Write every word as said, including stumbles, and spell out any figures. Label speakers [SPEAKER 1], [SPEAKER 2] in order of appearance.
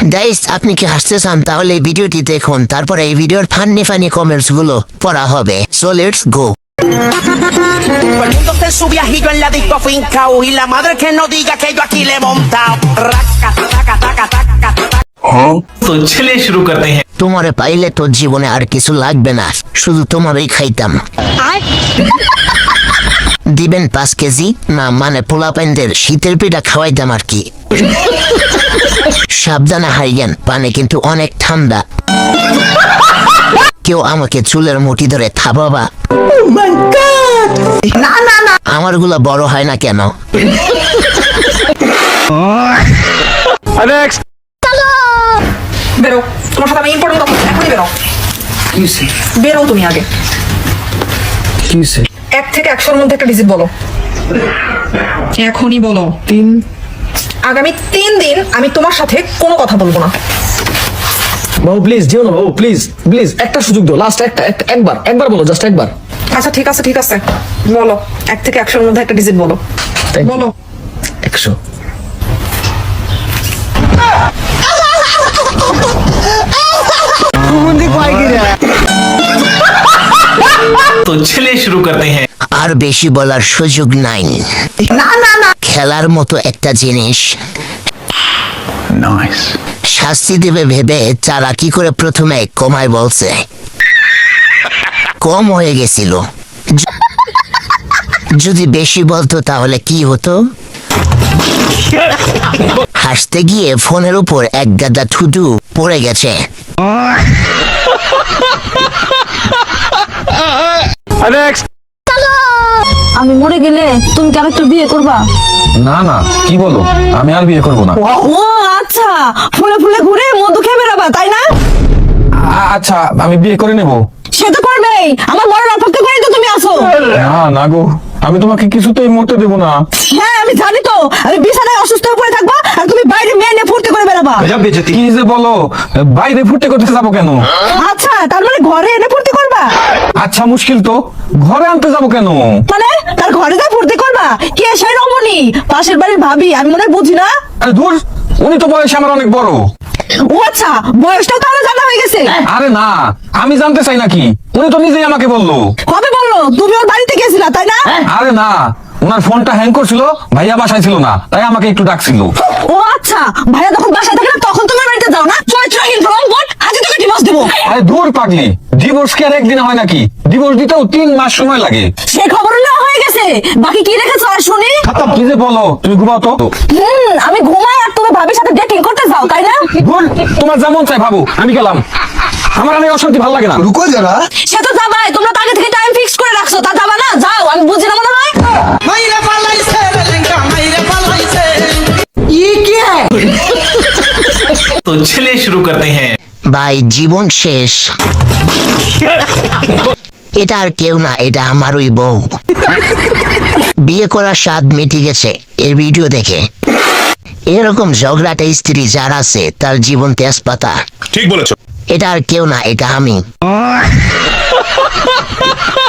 [SPEAKER 1] Guys আপনি কি হাসতে চান তাহলে এই ভিডিওটি দেখুন, তারপরে এই ভিডিওর ফানি ফানি কমেন্টস গুলো পড়া হবে। So let's go.
[SPEAKER 2] Todo el mundo está en su viajillo en la disco fincao y la madre que no diga que yo aquí le he montado. Raca, taca, taca, taca, taca.
[SPEAKER 3] तो चलिए शुरू करते हैं।
[SPEAKER 1] তোমারে পাইলে তোর জীবনে আর কিছু লাগবে না, শুধু তোমারই খাইতাম। দিবেন পাঁচ কেজি না, মানে পোলা প্যান্ডের শীতের পিঠা খাওয়াইতাম আর কি। সাবধানে হাইয়েন, পানি কিন্তু অনেক ঠান্ডা। কেউ আমাকে চুলের মুঠি ধরে থাবাবা। আমার গুলা বড় হয় না কেন?
[SPEAKER 4] বেরো, তোমার সাথে আমি ইম্পর্টেন্ট কথা বলছি, এখনই বেরো। বেরো তুমি আগে। এক থেকে একশোর মধ্যে একটা ডিজিট বলো, এখনই বলো।
[SPEAKER 5] তিন।
[SPEAKER 4] আগামী তিন দিন আমি তোমার সাথে কোনো কথা বলবো না।
[SPEAKER 5] বাবু প্লিজ যেও না বাবু, প্লিজ প্লিজ একটা সুযোগ দাও, লাস্ট একটা একটা- একবার একবার বলো, জাস্ট একবার।
[SPEAKER 4] আচ্ছা ঠিক আছে ঠিক আছে বলো, এক থেকে একশোর মধ্যে একটা ডিজিট বলো।
[SPEAKER 5] Thank you.
[SPEAKER 4] বলো।
[SPEAKER 5] একশো।
[SPEAKER 3] तो चलिए शुरू करते हैं।
[SPEAKER 1] আর বেশি বলার সুযোগ নাই।
[SPEAKER 4] না না না
[SPEAKER 1] খেলার মতো একটা জিনিস
[SPEAKER 3] नाइस।
[SPEAKER 1] শাস্তি দেবে ভেবে চারা কি করে প্রথমে কমায় বলছে, কম হয়ে গেছিল। য- যদি বেশি বলতো তাহলে কি হতো? হাসতে গিয়ে ফোনের উপর এক গাদা থুতু পড়ে গেছে।
[SPEAKER 6] আমি মরে গেলে তুমি কি আরেকটা বিয়ে করবা?
[SPEAKER 7] না না, কি বলো, আমি আর বিয়ে করবো না।
[SPEAKER 6] ও আচ্ছা, ফুলে ফুলে ঘুরে মধু খেয়ে বেড়াবা তাই না?
[SPEAKER 7] আ- আচ্ছা আমি বিয়ে করে নেব।
[SPEAKER 6] সে তো করবেই, আমার মরার অপেক্ষা করে তো তুমি আসো।
[SPEAKER 7] না না গো, আমি তোমাকে কিছুতেই মরতে দেবো না।
[SPEAKER 6] হ্যাঁ আমি জানি তো, আমি বিছানায় অসুস্থ হয়ে পড়ে থাকবা আর তুমি বাইরে মেয়ে নিয়ে ফুর্তি করে বেড়াবা।
[SPEAKER 7] কি যে বলো, বাইরে ফুটে করতে যাবো কেন?
[SPEAKER 6] আচ্ছা তার মানে ঘরে এনে ফুর্তি করবা?
[SPEAKER 7] আচ্ছা মুশকিল তো, ঘরে আনতে যাবো কেন?
[SPEAKER 6] মানে তার ঘরে যা ফুর্তি করবা? কে সেই রমণী পাশের বাড়ির ভাবি? আমি মনে হয় বুঝি না।
[SPEAKER 7] আরে ধুর, উনি তো বয়সে আমার অনেক বড়।
[SPEAKER 6] ও আচ্ছা, বয়সটাও তাহলে জানা হয়ে গেছে।
[SPEAKER 7] আরে না, আমি জানতে চাই নাকি, উনি তো নিজেই আমাকে বললো।
[SPEAKER 6] কবে বললো? তুমি ওর বাড়িতে গেছিলা তাই না?
[SPEAKER 7] আরে না, ওনার ফোনটা হ্যাং করছিল, ভাইয়া বাসায় ছিল না, তাই আমাকে একটু ডাকছিল।
[SPEAKER 6] ও আচ্ছা, ভাইয়া যখন বাসায় থাকে না তখন তোমার বাড়িতে যাও না? চরিত্রহীন রংবট, আজকে তোকে ডিভোর্স দেবো।
[SPEAKER 7] আরে ধুর পাগলি, ডিভোর্স কি আর একদিন হয় নাকি? ডিভোর্স দিতেও তিন মাস সময় লাগে।
[SPEAKER 6] সে খবর নেওয়া হয়ে গেছে, বাকি কি রেখেছো আর শুনি?
[SPEAKER 7] কি যে বলো, তুমি ঘুমাও তো।
[SPEAKER 6] হুম, আমি ঘুমাই আর তুমি ভাবির সাথে ডেটিং করতে যাও তাই না?
[SPEAKER 7] ভুল, তোমার যেমন চাই ভাবো, আমি গেলাম। আমার অনেক অশান্তি, ভালো লাগে না।
[SPEAKER 6] সে তো যাবাই, তোমরা তো আগে থেকে টাইম ফিক্স করে রাখছো, তা যাবা না? যাও, আমি বুঝি না মনে হয়।
[SPEAKER 2] Mayre palaise, lenga, mayre palaise.
[SPEAKER 3] तो चलिए शुरू करते हैं।
[SPEAKER 1] ভাই জীবন শেষ। এটা আর কেউ না, এটা আমারই বউ। বিয়ে করার স্বাদ মিটে গেছে এর ভিডিও দেখে। এরকম ঝগড়াটা স্ত্রী যার আছে তার জীবন তেজপাতা।
[SPEAKER 8] ঠিক বলেছো।
[SPEAKER 1] এটা আর কেউ না, এটা আমি।